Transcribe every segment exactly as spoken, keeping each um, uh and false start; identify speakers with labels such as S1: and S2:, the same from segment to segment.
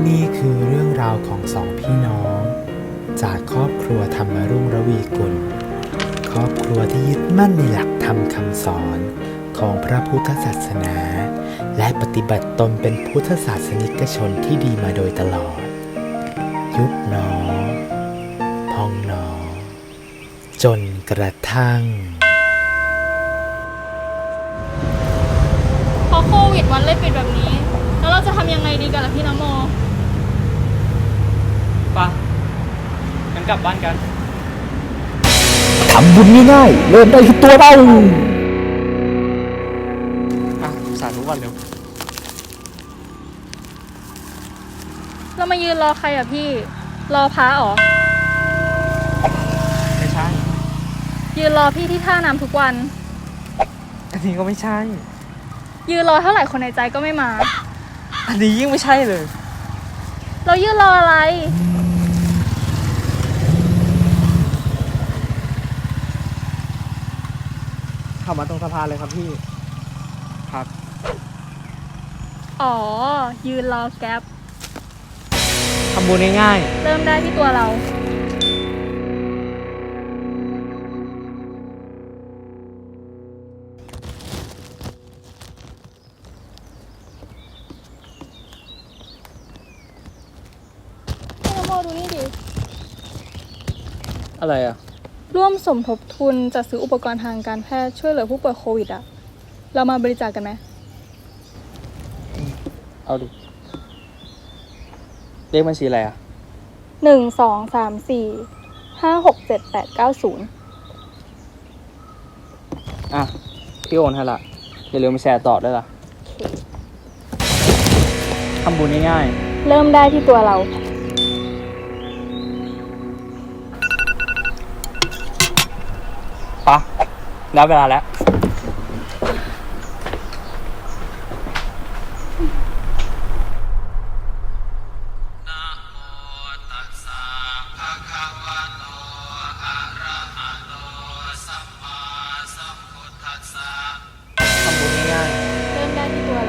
S1: นี่คือเรื่องราวของสองพี่น้อง จากครอบครัวธรรมรุ่งระวีกุลครอบครัวที่ยึดมั่นในหลักธรรมคำสอนของพระพุทธศาสนา และปฏิบัติตนเป็นพุทธศาสนิกชนที่ดีมาโดยตลอด ยุบหนอ พองหนอ จนกระทั่ง
S2: พอโควิดวันเลยปิดแบบนี้ แล้วเราจะทำยังไงดีกันล่ะพี่นโม
S3: ป่ะงั้นกลับบ้านกัน
S4: ทำบุญง่ายๆเริ่มได้ที่ตัวเรา
S3: อ่ะสาธุก่อนเร็ว
S2: เรามายืนรอใครอ่ะพี่ รอพระเหรอ
S3: ไม่ใช่
S2: ยืนรอพี่ที่ท่าน้ำทุกวัน
S3: อันนี้ก็ไม่ใช่
S2: ยืนรอเท่าไหร่คนในใจก็ไม่มา
S3: อันนี้ยิ่งไม่ใช่เลย
S2: เรายืนรออะไร
S3: เข้ามาตรงสะพานเลยครับพี่ครับ
S2: อ๋อ ยืนรอแก๊ป
S3: ทำบุญง่าย
S2: เริ่มได้ที่ตัวเราพี่นโมดูนี่ดิ
S3: ๆอะไรอ่ะ
S2: ร่วมสมทบทุนจัดซื้ออุปกรณ์ทางการแพทย์ช่วยเหลือผู้ป่วยโควิดอ่ะ เรามาบริจาคกันไหม
S3: เอาดิเลขบัญชีอะไรอ่ะ
S2: หนึ่งสองสามสี่ห้าหกเจ็ดแปดเก้าศูนย์
S3: อ่ะพี่โอนให้ละอย่าลืมไปแชร์ต่อด้วยล่ะทำบุญง่าย
S2: เริ่มได้ที่ตัวเรา
S3: ๆปะได้เวลาแล้วทำบุญง่ายๆ
S2: เริ่มได้ที่ตัวเรา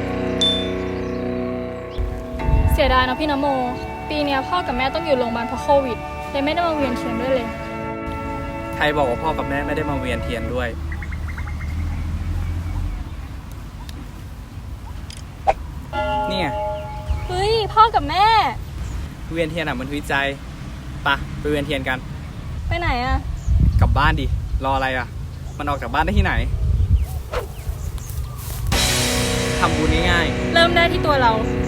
S2: เสียดายนะพี่นโม ปีเนี้ยพ่อกับแม่ต้องอยู่โรงพยาบาลเพราะโควิดเลยไม่ได้มาเวียนเทียนด้วยเลย
S3: ใครบอกว่าพ่อกับแม่ไม่ได้มาเวียนเทียนด้วย เนี่ย
S2: เฮ้ย พ่อกับแม่
S3: เวียนเทียนอ่ะมันวิจัยปะไปเวียนเทียนกัน
S2: ไปไหนอะ
S3: กลับบ้านดิ รออะไรอ่ะ มันออกจากบ้านได้ที่ไหน ทำบุญง่าย
S2: เริ่มได้ที่ตัวเรา
S3: ๆ